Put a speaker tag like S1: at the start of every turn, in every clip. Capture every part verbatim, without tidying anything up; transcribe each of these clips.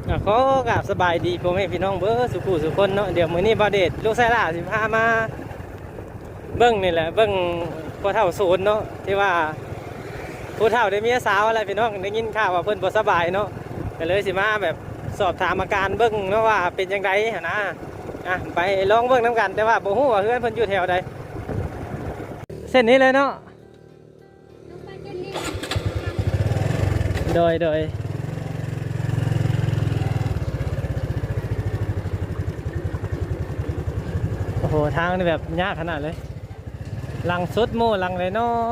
S1: ขอกราบสบายดีพ่อแม่พี่น้องเบ้อสุขุสุคนเนาะเดี๋ยวมื้อนี้บ่าวเดชลูกไส้ล่าสิพามาเบิ่งนี่แหละเบิ่งพ่อเฒ่าศูนย์เนาะที่ว่าผู้เฒ่าได้เมียสาวอะไรพี่น้องได้ยินข่าวว่าเพิ่นบ่สบายเนาะก็เลยสิมาแบบสอบถามอาการเบิ่งเนาะว่าเป็นจังไดหั่นนะอ่ะไปลองเบิ่งนํกันแต่ว่าบ่ฮู้ว่าเฮือนเพิ่นอยู่แถวใดเส้นนี้เลยเนาะโดยโดยโอ้โหทางนี่แบบยากขนาดเลยลังสุดโม่ลังเลยเนาะ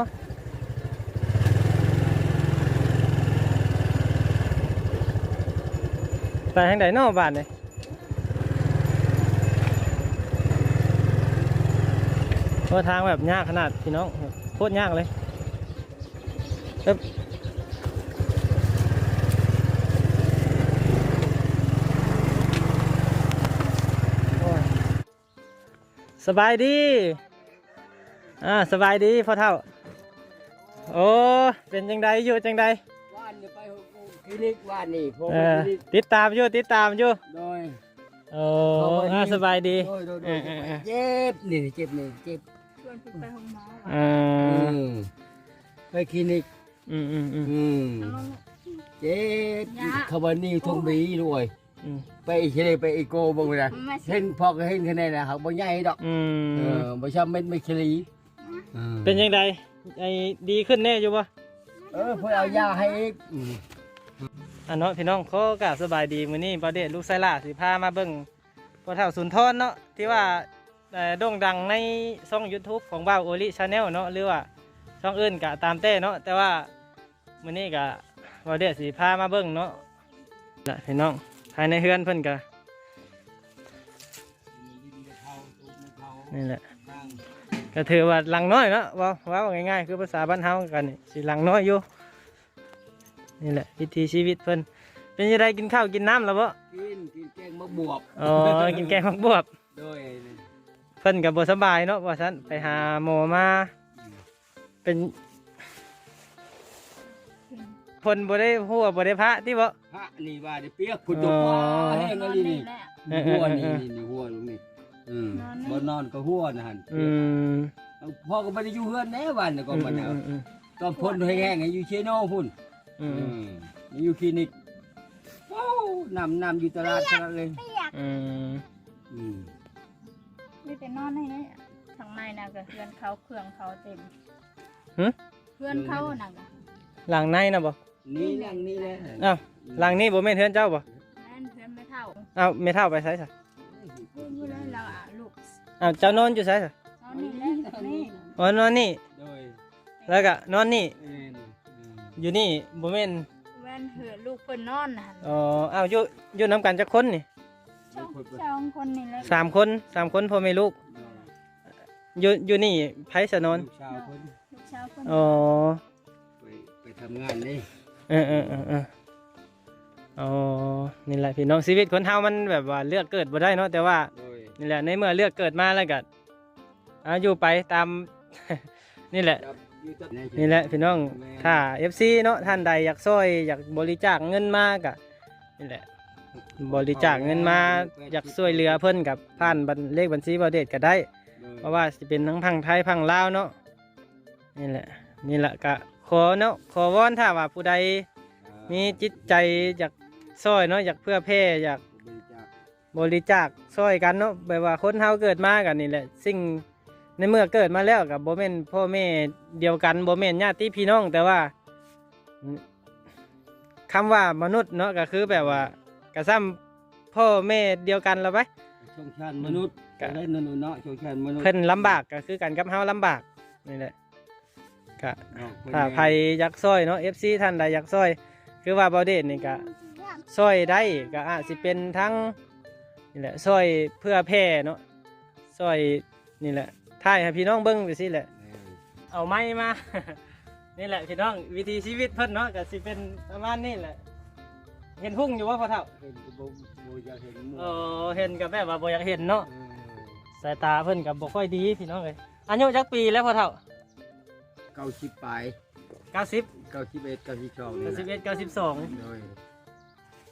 S1: ไปทางไหนเนาะบ้านเลยเพราะทางแบบยากขนาดพี่น้องโคตรยากเลยสบายดีอ่าสบายดีพ่อเฒ่าโอ้เป็นจังใดอยู่จังใด
S2: ว่านจะไปคลินิกว่านนี่ผม
S1: เออติดตามอยู่ติดตามอยู่
S2: โดย
S1: โอ้อ่าสบายดี
S2: โดยโดยโดยเจ็บนี่เจ็บนี่เจ็บ
S3: ชวนไปห้องหมอ
S1: อ่า
S2: ไปคลินิก
S1: อืมอืมอืม
S2: เจ็บขบวนนี้ทงบีด้วยไปอีกทีไปอีโก้บ้างเลยเห็นพอก็เห็นคะแนนนะเขาบ่ใหญ่ดอกเออบ่ชอบเม็ดไม่คลี
S1: เป็นยังไงไอ้ดีขึ้นแน่อยู่ปะ
S2: เออเพื่อเอายาให้อีก
S1: อันเนาะพี่น้องเขากราบสบายดีมื้อนี้ประเดชลูกไส้ล่าสิพามาเบิ่งพ่อเฒ่าสุนทรเนาะที่ว่าโด่งดังในช่อง YouTube ของบ่าวโอลิชาแนลเนาะหรือว่าช่องอื่นก็ตามแต่เนาะแต่ว่ามื้อนี้ก็ประเดชสิพามาเบิ่งเนาะน่ะพี่น้องภายในเฮือนเพิ่นก็นี่แหละก็ถือว่าหลังน้อยเนาะว่าว่าง่ายๆคือภาษาบ้านเฮากันนี่สิหลังน้อยอยู่นี่แหละวิถีชีวิตเพิ่นเป็นยังไงกินข้าวกินน้ำแล้วบ่
S2: กินกินแกงมะบวบ
S1: อ๋อกินแกงมะบวบ
S2: โดย
S1: เพิ่นก็บ่สบายเนาะว่าซั่นไปหาหมอมาเป็นเพิ่นบ่ได้ฮู้ว่าบ่ได้พระติบ่
S2: พระนี่ว่าได้เปียกพุ่นจุกแห้งอะไรนี่หัวนี่นี่หัวตรงนี้อืมบ่นอนก็หัวนะหั่น
S1: อืม
S2: พ่อก็บ่ได้อยู่เฮือนแน่วันก็บ่ได้ตอนพ่นแห้งๆอยู่เชโนพุ่นอืมอยู่คลินิกโอ้นำนำอยู่ตลาดตลาดเลย
S1: อืม
S3: อืมนี่แต่นอนให้เนี่ยทางในน่ะก็เพื่อนเขาเครื่องเขาเต็ม
S1: หึ
S3: เพื่อนเขาน่ะ
S1: หลังในน่ะบ่
S2: นี่หลังนี้แหละ
S1: อ้าวหลังนี้บ่แม่นเฮือนเจ้าบ่
S3: แม่นเพื่อนไม่เท่า
S1: อ้าวไม่เท่าไปไสซะ
S3: พูดอยู่แล้วเราอ่ะลูก
S1: อ้าวเจ้านอนอยู่ไสซะ
S3: นอนนี่แหละนี่
S1: อ๋อนอนนี่แล้วก็นอนนี่อยู่นี่บ่แม่น
S3: แม่นเหือลูกเพิ่นนอนน่ะ
S1: อ๋ออ้าวอยู่อยู่นํกันจักคนนี่
S3: สองคนนี่แหละ
S1: สามคนสามคนพ่อแม่ลูกอยู่อยู่นี่ไผสะนอน
S2: ลูกสาวเพิ่น
S3: ลูกสาวเพิ่น
S1: อ๋อ
S2: ไปไปทำงานนี่
S1: เออเออเออเอออ๋อนี่แหละพี่น้องชีวิตคนเฮามันแบบว่าเลือกเกิดบ่ได้เนาะแต่ว่านี่แหละในเมื่อเลือกเกิดมาแล้วก็อาอยู่ไปตาม นี่แหละนี่แหละพี่น้องถ้า เอฟ ซี เนาะท่านใดอยากช่วยอยากบริจาคเงินมากะนี่แหละบริจาคเงินมาอยากช่วยเหลือเพิ่นกับผ่านเลขบัญชีบ่าวเดชก็ได้เพราะว่าสิเป็นทั้งพังไทยพังลาวเนาะนี่แหละนี่แหละก็ขอเนาะขอวอนถ้าว่าผู้ใดมีจิตใจอยากช่วยเนาะอยากเพื่อแผ่อยากบริจาคช่วยกันเนาะแบบว่าคนเฮาเกิดมากันนี่แหละสิ่งในเมื่อเกิดมาแล้วกับโบเมนพ่อแม่เดียวกันโบเมนญาติพี่น้องแต่ว่าคำว่ามนุษย์เนาะก็คือแบบว่ากระซ้ำพ่อแม่เดียวกันแล้วไป
S2: ชงชาติมนุษย์ก็ได้นนเนาะชงชาติมนุษย์
S1: เพิ่นลำบากก็คือกันกับเฮาลำบากนี่แหละก็ถ้าใครอยากช่วยเนาะ เอฟ ซี ท่านใดอยากช่วยคือว่าบ่าวเดชนี่ก็ช่วยได้ก็อาจสิเป็นทั้งนี่แหละช่วยเพื่อแผ่เนาะช่วยนี่แหละถ่ายให้พี่น้องเบิ้งไปสิแหละเอาไม้มา นี่แหละพี่น้องวิธีชีวิตเพิ่นเนาะก็สิเป็นประมาณนี้แหละเห็นหุ่งอยู่ว่าพ่อเฒ่า
S2: เห็นก็บ่บ่อยากเห็น
S1: เออเห็นก็แบบว่าบ่อยากเห็นเนาะสายตาเพิ่นก็บ่ค่อยดีพี่น้องเอ้ยอายุจักปีแล้วพ่อเฒ่า
S2: เก้าสิบปลาย
S1: เก้าสิบ
S2: เก้าสิบเอ็ดเก้าสิบสอง
S1: เก้าสิบเอ็ดเก้าสิบสอง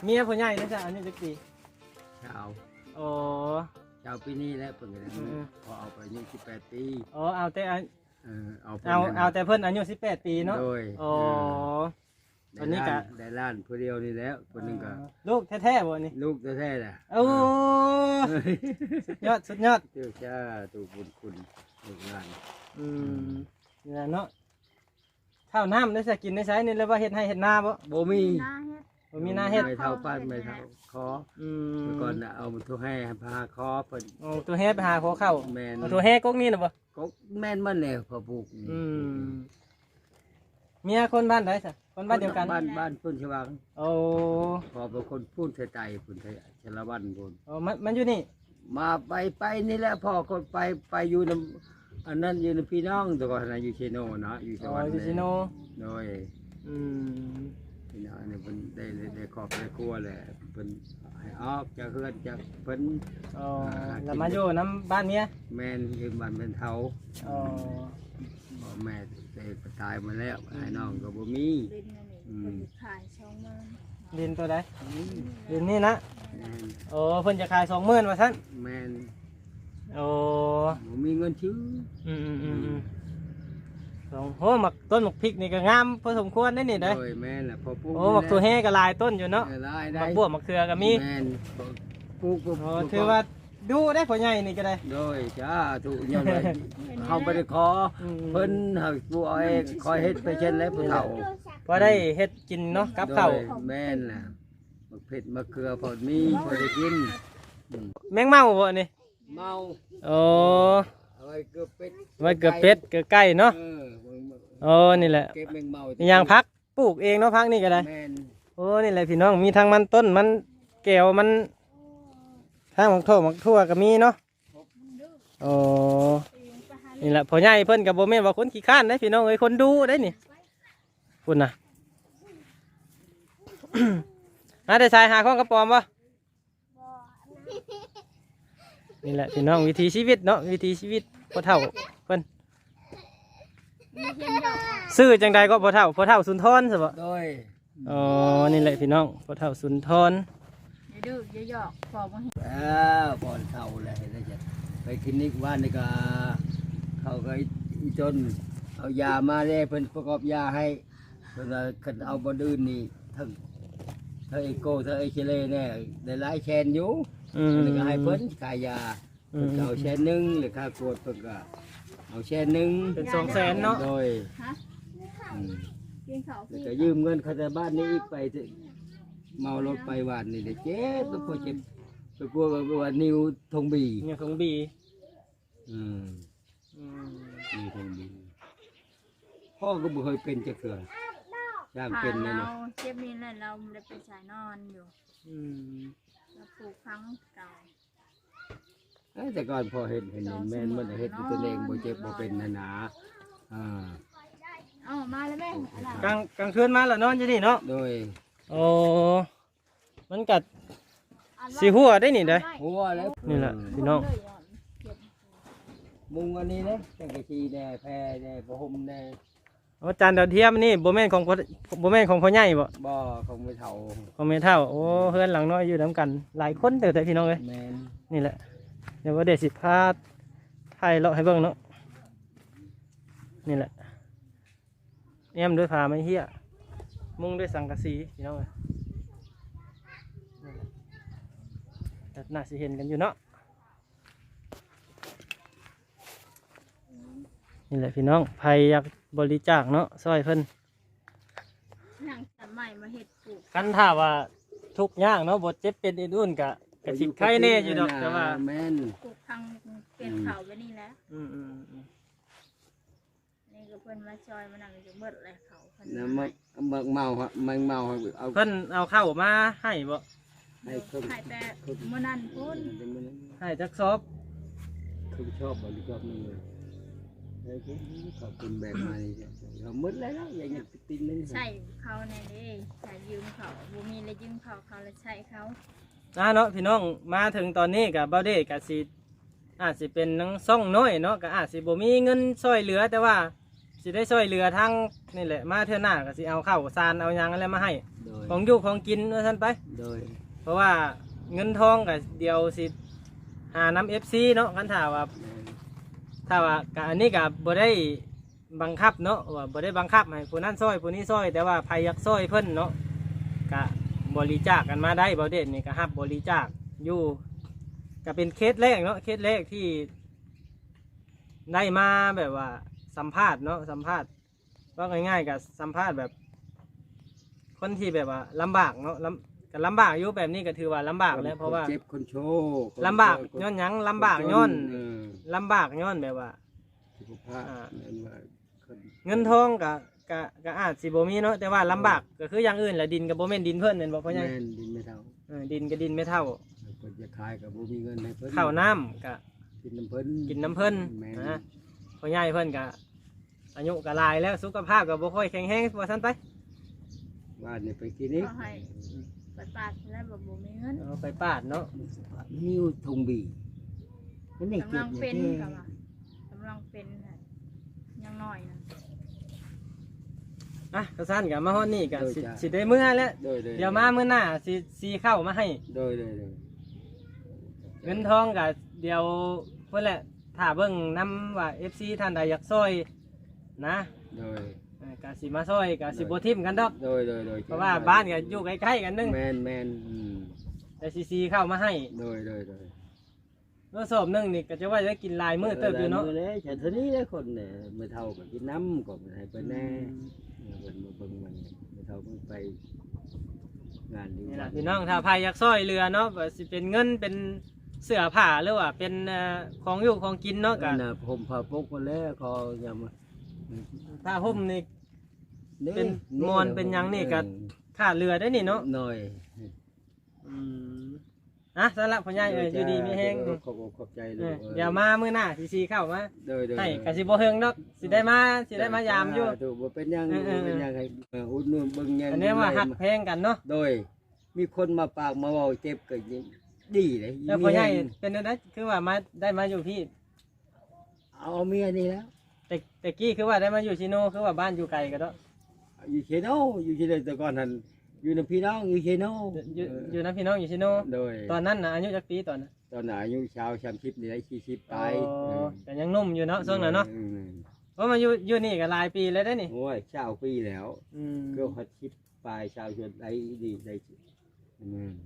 S1: เมียผู้ใหญ่นะจ๊ะอายุจักปี
S2: ชาว
S1: โอ้
S2: ชาวปีนี้แล้วเพิ่นก็ได้
S1: อืม
S2: พอเอาไปอายุสิบแปดปี
S1: โอ้เอาแต่อัน
S2: เออเอาไป
S1: เอา
S2: นั่น
S1: เอาแต่เพิ่นอายุสิบแปดปีเนาะ
S2: โดย
S1: โอ้
S2: เ
S1: อันนี้กะ
S2: ได้ล้านผู้เดียวนี่แล้วคนหนึงก็
S1: ลูกแท้ๆบ่นี่
S2: ลูกแท้ๆแหละ
S1: โอ้สุดยอดสุดยอด
S2: เจ้าชาตูบุญคุณลูกหลาน
S1: อืมนี่แหละเนาะข้าวน้ำได้สักกินได้ใช้นี่แล้วว่าเฮ็ดให้เฮ็ดนาบ่
S2: บ่มี
S3: หน้าเฮ็ด
S1: บ่มีนาเฮ็ด
S2: ไม่เท่าป้านไม่เท่าคอ
S1: อืม
S2: เมื่อก่อนน่ะเอาทุกให้พาคอเพิ่น
S1: โอ้ตัวแฮ่ไปหาขอเข้า
S2: แม่น
S1: เอาตัวแฮ่กกนี่น่ะบ่
S2: ก็แม่นมันแล้วพอปลูกนี่
S1: อืมเมียคนบ้านใดซะคนบ้านเดียวกัน
S2: บ้านบ้านพุ่นชวัง
S1: โอ้
S2: พอเป็นคนพูดใจพุ่นไทยชลวันพุ่น
S1: โอ้มันมันอยู่นี่
S2: มาไปไปนี่แหละพ่อคนไปไปอยู่นำอันนั้นอยู่ในพี่น้องแต่ก่อนนะอยู่เชโนเนาะอยู่ช
S1: อ๋อ
S2: วัน
S1: อยู่ซิโน
S2: โดย
S1: อืม
S2: พี่น้องนี่เพิ่นได้ได้ครอบได้ครัวแหละเพิ่นให้ออกจากเฮือนจากเพิ่น
S1: อ๋อแล้วมาอยู่น้ำบ้านเมีย
S2: แม่นยืมบ้านเป็นเฒ่า
S1: อ๋อ
S2: พ่อแม่เด็กตายมาแล้วไอ้น้องก็บ่มี
S3: ดินนั่นนี่
S2: อืม
S3: เพิ่นสิขายช่องเมือง
S1: ดินตัวใดดินนี่นะ
S2: แม่น
S1: โอ้เพิ่นจะขายสองหมื่นว่าซั่น
S2: แม่น
S1: โอ้
S2: บ่มีเงินซื้อ
S1: อืมอืมอืมอืมสองโอ้หมักต้นหมักพริกนี่ก็งามพอสมควรได้นี่เด้อ
S2: โดยแม่นแหละพอปลูก
S1: โอ้หมักตัวแฮ่ก็หลายต้นอยู่เนาะ
S2: ได้
S1: ห
S2: ได้
S1: มักบวบหมักเขือก็มี
S2: แม่นปลูกปลูก
S1: โอ้ถือว่าดูได้ผลใหญ่นี่ก็ได้
S2: โดยจ้าถูกยังไงเขาไม่ได้ขอ
S1: อืม
S2: เพิ่นหักผู้เอาเองคอยเฮ็ดไปเช่นแล้วผู้เฒ่า
S1: พอได้เฮ็ดกินเนาะกับข้าว
S2: โดยแม่นน่ะมักเผ็ดมักเกลือพอมีพอได้กินอืม
S1: แมงเม่าบ่นี่
S2: เมา
S1: โอ้
S2: เอาไว้เกลือเป็ด
S1: ไว้เกือบเป็ดเกือบไก่เนาะ
S2: เออ
S1: โอ้นี่แหละ
S2: เก็บแมงเมา
S1: มีอย่างพักปลูกเองเนาะพักนี่ก็ได้
S2: แม่น
S1: โอ้นี่แหละพี่น้องมีทั้งมันต้นมันแก้วมันทางหมักโถหมักทั่วก็มีเนาะโอ้นี่แหละพ่อใหญ่เพิ่นกับโบแม่นว่าคนขี้ข้านได้พี่น้องเอ้ยคนดูได้นี่คุณน่ะ หาได้ชายหาข้องกระปอมบ่นี่แหละพี่น้องวิถีชีวิตเนาะวิถีชีวิตพ่อเฒ่าเพิ่น
S3: มีเฮียนดอก
S1: ซื้อจังใดก็พ่อเฒ่าพ่อเฒ่าสุนทรใช่บ่
S2: โดย
S1: อ๋อนี่แหละพี่น้องพ่อเฒ่าสุนทร
S3: อย่าดื้ออย่าหยอกพอบ่เห็น
S2: เออบ่อนเฒ่าแหละเห็นได้จ้ะไปคลินิกว่านนี่ก็เขาก็อีจนเอายามาเลยเพิ่นประกอบยาให้เพิ่นว่าคันเอาบ่อื่นนี่ทั้งทั้งเอโกทั้งเอเคเลเนี่ยได้หลายแชนอยู่
S1: อืม
S2: เพิ่นก็ให้เพิ่นขายยา
S1: อื
S2: เพิ่น
S1: ม
S2: ก็เอาแชนหนึงหรือค่ากวดเพิ่นก็เอาแชนหนึง
S1: เป็นสองแสนเนาะ
S2: โดย
S3: ฮะ
S2: อืม
S3: กินข้าว
S2: แล้ว
S3: พี่
S2: ก็ยืมเงินเขาจากบ้านนี้อีกไปเถอะเมารถไปวานนี่เด้เจ็บแล้วพอเจ็บไปกลัวว่านิ้วทงบี
S1: เนี่ยของบี
S2: อืม
S1: อืม
S2: นิ้วทงบีพ่อก็บ่เคยเป็นจักเทื่อจ้าง
S3: ผ่า
S2: เป็น
S3: น
S2: แน่
S3: เรา
S2: เนาะ
S3: เจ็บนี่แหละเราไม่ได้ไปสายนอนอยู่
S1: อืม
S3: เราปลูกพังเก่า
S2: เอ้ยแต่ก่อนพอเห็นเห็นเห็นแม่นมันเฮ็ดด้วยตัวเองบ่เจ็บบ่เป็นนะนะอ่า
S3: เอ้ามาแล้วแม่อะไร
S1: กลางกลางคืนมาแล้วนอนจะนี่เนาะ
S2: โดย
S1: โอ้มันกัดสีหัวได้นี่เด้อ
S2: หัวแล้ว
S1: นี่แหละพี่น้อง
S2: มุงอันนี้เด้จังกะชีแน่แพรแน่บ่ห่มแน่
S1: อาจารย์ดาวเทียมนี่โบแม่นของพ่อโบแม่นของพ่อใหญ่บ่
S2: บ่ของไม่เฒ่า
S1: ของแม่เฒ่าโอ้เพื่อนหลังน้อยอยู่นํกัน หลายคนเด้อแต่พี่น้องเอ้ย
S2: แม่น
S1: นี่แหละเดี๋ยวว่าเดี๋ยวสิพาไทยเลาะให้เบิ่งเนาะนี่แหละเอี่ยมด้วยผ้าไม้เหี้ยมุงด้วยสังกะสีพี่น้องเอ้ยนี่แหละแต่น่าสิเห็นกันอยู่เนาะนี่แหละพี่น้องใครอยากบริจาคเนาะซอยเพิ่น
S3: หนังสมัยมาเห็ดปลูก
S1: กันถ้าว่าทุกข์ยากเนาะบ่เจ็บเป็นอื่นๆกะกะสิไข้แน่อยู่ดอกแต่ว่า
S2: แม่น
S3: ปลูกพังเป็นเขาไปนี่แล้ว
S1: อืมอืมอืม
S3: นี่ก็เพิ่นมาจอยมานั่งอยู่เบิดเลยเขาเพิ่น
S2: น้ำมันมันเมาครับมันเมาครับเอา
S1: เพิ่นเอาเข้าวมาให้บ่
S2: ให้คน
S3: ขายแต่มื้อนั้นพุ่น
S1: ให้จักซอบ
S2: คุณชอบบริจาคนี่เลยให้คุณขอบคุณแบบมานี่จ้ะเราหมดแล้วนะอย่างนี้ติดนึง
S3: ใช่เขาในนี้ใช้ยืมเขาบ่มีเลยยืมเขาเขาเลยใช้เขา
S1: อ่าเนาะพี่น้องมาถึงตอนนี้กับเบาเดกะสิอาจสิเป็นนังซ่องน้อยเนาะก็อาจสิบ่มีเงินช่วยเหลือแต่ว่าสิได้ช่วยเหลือทั้งนี่แหละมาเทื่อหน้าก็สิเอาข้าวสารเอาหยังอะไรมาให้
S2: โดย
S1: ของอยู่ของกินว่าซั่นไป
S2: โดย
S1: เพราะว่าเงินทองก็เดียวสิหาน้ำ เอฟ ซี เนาะคันถ้าว่าถ้าว่าก็อันนี้ก็บ่ได้บังคับเนาะว่าบ่ได้บังคับให้ผู้นั้นซอยผู้นี้ซอยแต่ว่าใครอยากซอยเพิ่นเนาะก็บริจาคกันมาได้บ่เด่นนี่ก็รับบริจาคอยู่ก็เป็นเคสแรกเนาะเคสแรกที่ได้มาแบบว่าสัมภาษณ์เนาะสัมภาษณ์ว่าง่ายๆกับสัมภาษณ์แบบ คนที่แบบว่าลำบากเนาะลำก็ลำบากอยู่แบบนี้ก็ถือว่าลำบากแล้วเพราะว่า
S2: คนเจ็บคนโชว์คน
S1: ลำบาก
S2: คน
S1: ย้อนหยังลำบากย้อน
S2: เออ
S1: ลำบากย้อนแบบว่า
S2: สุขภาพ
S1: อ่า
S2: นั่นว่าคน
S1: เงินทองก็ก็ก็อาจสิบ่มีเนาะแต่ว่าลำบากก็คืออย่างอื่นแหละดินกับบ่แม่นดินเพิ่นนั่นบ่เพราะหยัง
S2: แม่นดินไม่เท่า
S1: เออดินกับดินไม่เท่า
S2: เพิ่นจะขายกับบ่มีเงินให้เพิ่น
S1: ข้าวน้ำก็
S2: กินน้ำเพิ่น
S1: กินน้ำเพิ่น
S2: แม่น
S1: นะพ่อใหญ่เพิ่นก็อายุก็หลายแล้วสุขภาพก็บ่ค่อยแข็งแรงว่าซั่นไป
S2: บ้านนี่ไปกินนี่
S3: ก็ให้ไปปาดแล้วแบบบ่มีเงิน
S1: เอาไปปาดเนาะ
S2: นิ้วทงบีนั่นนี่
S3: กำ
S2: เก็
S3: ลั
S2: บ
S3: ง
S2: อยู่
S3: เป็น
S2: ที่
S3: กับว่ากำลังเป็นน่ะยังน้อยนะ
S1: อ่ะก็ซั่นก็มาฮอดนี่ก็สิ
S2: โดยจ้ะ
S1: สิได้มื้อแล้ว
S2: โดยโดย
S1: เดี๋ยวมามื้อหน้าสิสิเข้ามาให้
S2: โดยโดยโดย
S1: เงินทองก็เดี๋ยวเพิ่นแหละถ้าเบิ่งนำว่า เอฟ ซี ท่านใดอยากซอยนะ
S2: โดย
S1: เอ่อก็สิมาซอยก็สิบ่ทิ่มกันดอก
S2: โดยโดยโดย
S1: เพราะว่าบ้านก็อยู่ใกล้ๆกันนึง
S2: แมนแมนอืม
S1: แต่ซีซีเข้ามาให้
S2: โดยโดยโดย
S1: รถสอบหนึงนี่ก็จะว่าจะกินหลายมื้อเติบอยู่เนาะ
S2: ออเลยแต่เท่านี้เลยคนเนี่ยไม่เท่ากับกินน้ำก็ไม่ให้ไปแน่เพิ่นมาเบิ่งมันไม่เท่าเพิ่งไปงานดี
S1: นี่ล่ะพี่น้องถ้าใครอยากซอยเรือเนาะว่าสิเป็นเงินเป็นเสื้อผ้าหรือว่าเป็นเอ่อของอยู่ของกินเนาะก็
S2: นั่นน่ะผมพาพกมาแล้วคออย่ามา
S1: ถ้าห่มนี่
S2: นี่
S1: เป็นมอนเป็นหยังนี่ก็ ค่าเรือได้นี่เนาะ
S2: หน่อย
S1: อืมอ่ะสำหรับพ่อใหญ่เอ้ยอยู่ดีมีแฮง
S2: เออขอบขอบใจเล
S1: เอย อเดี๋ยวมามื้อหน้าซีซีเข้ามา
S2: โดยโดย
S1: ให้ก็สิบ่เฮิงดอกสิได้มาสิได้มายามอยู่
S2: ถูกบ่เป็นหยัง
S1: เออเออ
S2: บ่เป็นหยังให้เอออุดหนุนเบิ่งหยัง
S1: อันนี้ว่าหักแพงกันเนาะ
S2: โดย มีคนมาปากมาเว้าเจ็บก็ยิ่งดีเลย
S1: แล้วพ่อใหญ่
S2: มีแรง
S1: เป็นอะไรคือว่ามาได้มาอยู่พี่
S2: เอาเมียนี่แล้ว
S1: แต่แต่กี้คือว่าได้มาอยู่ชิโนคือว่าบ้านอยู่ไกลกันเนาะ
S2: อยู่เชโนอยู่เชโนแต่ก่อนหันอยู่ในพี่น้องอยู่เชโน
S1: อยู่อยู่นะพี่น้องอยู่ชิโน
S2: โดย
S1: ตอนนั้นนะอายุจักปีตอนนั้น
S2: ตอนนั้นอายุชาวชามชิปนี่ได้สี่สิบไป
S1: อ๋อแต่ยังหนุ่มอยู่เนาะช่วงนั้นเนาะ
S2: อืม
S1: เพราะมาอยู่อยู่นี่ก็หลายปีแล้วได้นี่
S2: โอ้ยชาวปีแล้ว
S1: อืม
S2: ก็ฮอดชิปปลายชาวชนได้ดีได้อืม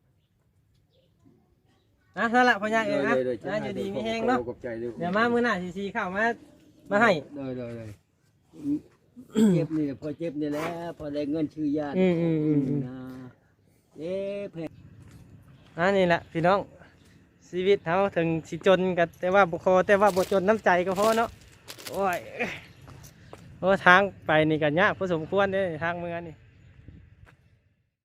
S1: นะนั่นแหละพ่อใหญ่เองนะ
S2: โดยโดย
S1: นะอยู่ดีมีแฮงเนาะ
S2: ขอบใจด้วย
S1: เดี๋ยวมามื้อหน้าซีซีเข้ามามาให้
S2: โดยโดยโดยเจ็บนี่พอเจ็บนี่แหละพอได้เงินชื่อญาติ
S1: อืมอืมอืมอืม
S2: นะเอ๊ะเพง
S1: อ่านี่แหละพี่น้องชีวิตเขาถึงสิจนกันแต่ว่าบุคอแต่ว่าบ่จนน้ำใจก็พอเนาะโอ้ยโอ้ทางไปนี่กันยากพอสมควรเด้ทางเมืองนี่